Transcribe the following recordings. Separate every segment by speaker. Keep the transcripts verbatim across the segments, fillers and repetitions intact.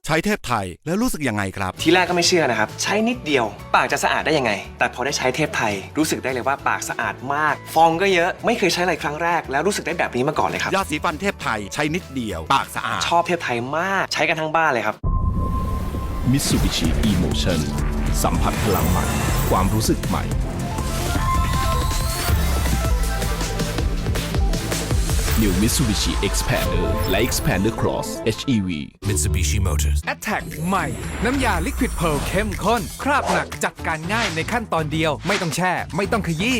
Speaker 1: ใช้เทพไทยแล้วรู้สึกยังไงครับ
Speaker 2: ทีแรกก็ไม่เชื่อนะครับใช้นิดเดียวปากจะสะอาดได้ยังไงแต่พอได้ใช้เทพไทยรู้สึกได้เลยว่าปากสะอาดมากฟองก็เยอะไม่เคยใช้อะไรครั้งแรกแล้วรู้สึกได้แบบนี้มาก่อนเลยครับ
Speaker 1: ยาสีฟันเทพไทยใช้นิดเดียวปากสะอาด
Speaker 2: ชอบเทพไทยมากใช้กันทั้งบ้านเลยครับ
Speaker 3: Mitsubishi Emotion สัมผัสพลังใหม่ความรู้สึกใหม่ New Mitsubishi Xpander และ Xpander Cross เอช อี วี
Speaker 4: Mitsubishi Motors
Speaker 5: Attack ใหม่น้ำยา Liquid Pearl เข้มข้นคราบหนักจัดการง่ายในขั้นตอนเดียวไม่ต้องแช่ไม่ต้องขยี้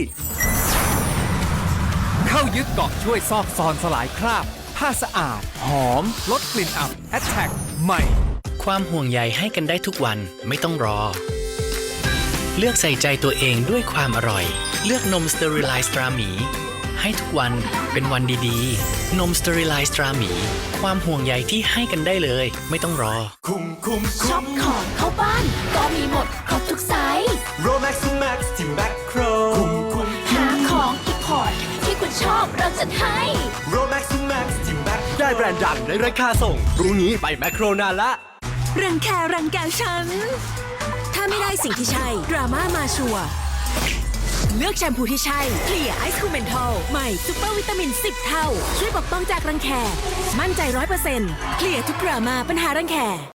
Speaker 5: เข้ายึดเกาะช่วยซอกซอนสลายคราบผ้าสะอาดหอมลดกลิ่นอับ Attack ใหม่
Speaker 6: ความห่วงใยให้กันได้ทุกวันไม่ต้องรอเลือกใส่ใจตัวเองด้วยความอร่อยเลือกนมสเตอริไลซ์ตราหมีให้ทุกวันเป็นวันดีๆนมสเตอริไลซ์ตราหมีความห่วงใยที่ให้กันได้เลยไม่ต้องรอ
Speaker 4: คุ้มคุ้ม
Speaker 7: ช็อปของเข้าบ้านก็มีหมดครบทุกไซส์
Speaker 4: Romax Max ที่แมคโครคุ้มคุ้ม
Speaker 7: หาของอีพอร์ตที่คุณชอบเราจัดให้
Speaker 4: Romax Max ที่แมคได้แบรนด์ดังในราคาส่งรู้งี้ไปแมคโครนานละ
Speaker 8: รังแครังแกฉันถ้าไม่ได้สิ่งที่ใช่ดราม่ามาชัวร์เลือกแชมพูที่ใช่เคลียร์ไอซ์คูเมนทอลใหม่ซุปเปอร์วิตามินสิบเท่าช่วยปกป้องจากรังแคมั่นใจ ร้อยเปอร์เซ็นต์ เคลียร์ทุกดราม่าปัญหารังแค